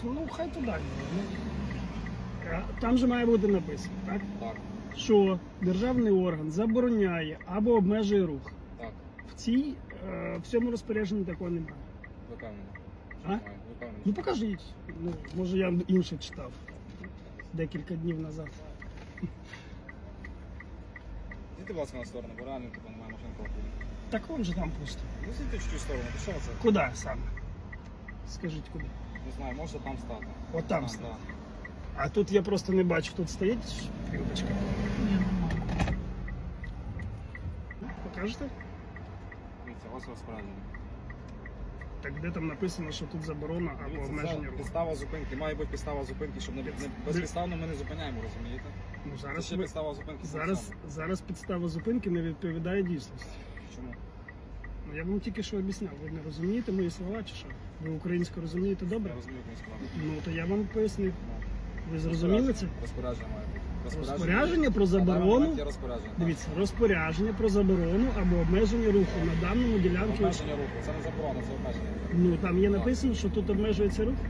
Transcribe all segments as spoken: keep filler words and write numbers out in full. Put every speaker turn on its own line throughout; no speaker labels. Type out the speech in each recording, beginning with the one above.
Ну, хай туди. Ну, там же має бути написано, так?
Так,
Що державний орган забороняє або обмежує рух.
так.
В цій, е, в цьому розпорядженні такого немає.
Ви впевнені?
А?
Ви впевнені?
Ну покажіть. Ну, може я інше читав декілька днів назад.
Зійдіть, будь ласка, на сторону, бо реально типу, немає машин проходу.
Так вон же там пусто.
Ну, зійдіть чуть-чуть в сторону, то що це?
Куди саме? Скажіть куди?
Не знаю, може там стати.
От там
А,
стати.
да.
А тут я просто не бачу, тут стоїть плівочка. Покажете?
Дивіться, ось розпорядження.
Так де там написано, що тут заборона або
Дивіться,
обмеження
це
руху?
підстава зупинки. Має бути підстава зупинки, щоб не, не безпідставно ми не зупиняємо, розумієте?
Ну,
Це
зараз,
ще
ви-
підстава зупинки.
зараз,
саме.
зараз підстава зупинки не відповідає дійсності.
Чому?
Ну, я вам тільки що об'ясняв. Ви не розумієте мої слова чи що? Ви українську розумієте добре?
Я розумію, як справа.
Ну, то я вам пояснив. Ви зрозуміли це?
Розпорядження має бути.
Розпорядження про
На даний
заборону.
момент є розпорядження. так.
Дивіться, розпорядження про заборону або обмеження руху на даному ділянці.
Обмеження руху. Це не заборона, це обмеження.
Ну там є написано, що тут обмежується рух.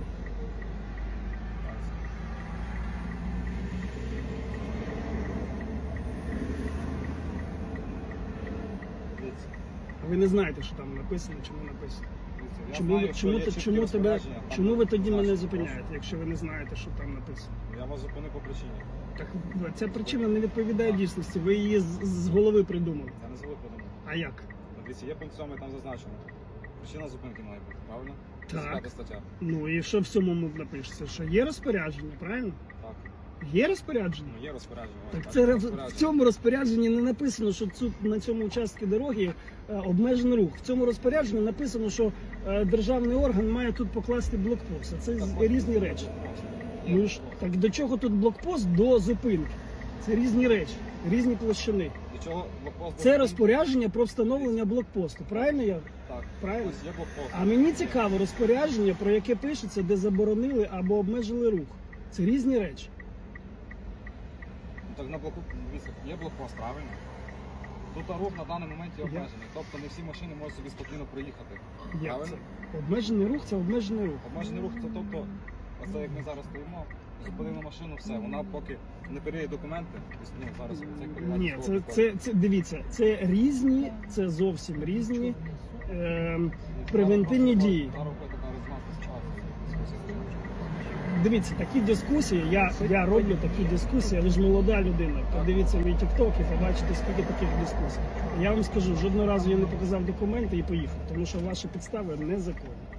Дивіться,
Ви не знаєте, що там написано чи не написано.
дивіться, я
Чому,
знаю,
ви-
що
чому,
є
ти-
чіткі
чому тебе,
розпорядження, там
чому ви тоді мене
значить,
зупиняєте, якщо ви не знаєте, що там написано?
Я вас зупинив по причині.
Так ця причина не відповідає дійсності. Ви її з, з голови придумали.
Це не звик подумати.
А як?
Дивіться, є пункт сьомий, там зазначено. Причина зупинки має бути, правильно?
Так.
П'ята стаття.
Ну і що в цьому напишеться? Що є розпорядження, правильно?
Так.
Є розпорядження?
Ну, є розпорядження.
Так
ось
це в
розпорядження.
в цьому розпорядженні не написано, що цю, на цьому участку дороги е, обмежений рух. В цьому розпорядженні написано, що е, державний орган має тут покласти блокпост. А це
Так,
з-
ось
різні
тут
речі.
блокпост.
Ну ж, так до чого тут блокпост до зупинки? Це різні речі, різні площини.
До чого блокпост?
Це
зупинки?
розпорядження про встановлення блокпосту. Правильно я?
Так.
Правильно.
Ось є блокпост.
А мені цікаво розпорядження, про яке пишеться, де заборонили або обмежили рух. Це різні речі.
Ну, так на блоку, дивіться, є блокпост, правильно? Тут рух на даний момент є
Я-
обмежений. Тобто не всі машини можуть собі спокійно проїхати.
Як
Правильно?
це? Обмежений рух це обмежений рух.
Обмежений рух це тобто, оце як ми зараз стоїмо, зупинили машину, все, вона поки не перевіряє документи, тобто, ну, зараз це як перевіряти
Ні,
військовий
це,
код.
це, це дивіться, це різні, це зовсім різні е, превентивні
Зараз
дії.
Зараз виходить така резонансна ситуація. Дискусія.
Дивіться, такі дискусії, я, я роблю такі дискусії, ви ж молода людина. Подивіться мій тікток і побачите, скільки таких дискусій. Я вам скажу, жодного разу я не показав документи і поїхав, тому що ваші підстави незаконні.